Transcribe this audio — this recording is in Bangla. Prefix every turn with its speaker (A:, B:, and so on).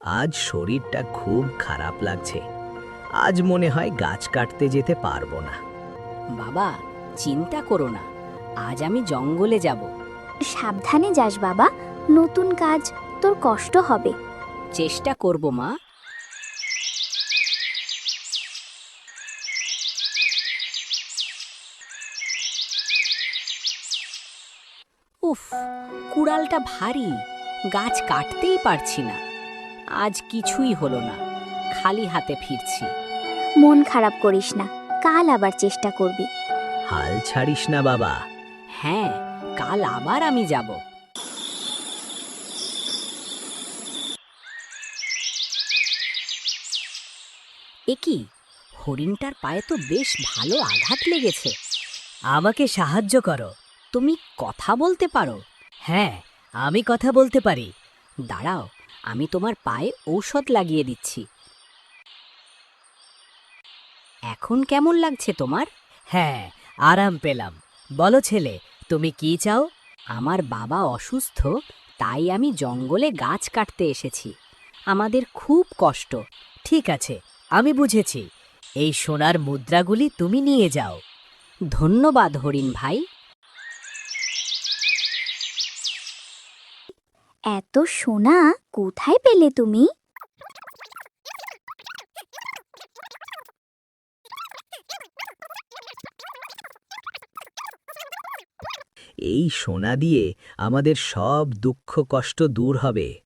A: আজ শরীরটা খুব খারাপ লাগছে। আজ মনে হয় গাছ কাটতে যেতে পারবো না।
B: বাবা, চিন্তা করো না, আজ আমি জঙ্গলে যাব।
C: সাবধানে যাস বাবা, নতুন কাজ, তোর কষ্ট হবে।
B: চেষ্টা করব মা। উফ, কুড়ালটা ভারী, গাছ কাটতেই পারছি না। আজ কিছুই হলো না, খালি হাতে ফিরছি।
C: মন খারাপ করিস না, কাল আবার চেষ্টা করবি।
A: হাল ছাড়িস না বাবা।
B: হ্যাঁ, কাল আবার আমি যাব। একি, হরিণটার পায়ে তো বেশ ভালো আঘাত লেগেছে।
D: আমাকে সাহায্য করো।
B: তুমি কথা বলতে পারো?
D: হ্যাঁ, আমি কথা বলতে পারি।
B: দাঁড়াও, আমি তোমার পায়ে ঔষধ লাগিয়ে দিচ্ছি। এখন কেমন লাগছে তোমার?
D: হ্যাঁ, আরাম পেলাম। বলো ছেলে, তুমি কি চাও?
B: আমার বাবা অসুস্থ, তাই আমি জঙ্গলে গাছ কাটতে এসেছি। আমাদের খুব কষ্ট।
D: ঠিক আছে, আমি বুঝেছি। এই সোনার মুদ্রাগুলি তুমি নিয়ে যাও।
B: ধন্যবাদ হরিণ ভাই।
C: এত সোনা কোথায় পেলে তুমি?
A: এই সোনা দিয়ে আমাদের সব দুঃখ কষ্ট দূর হবে।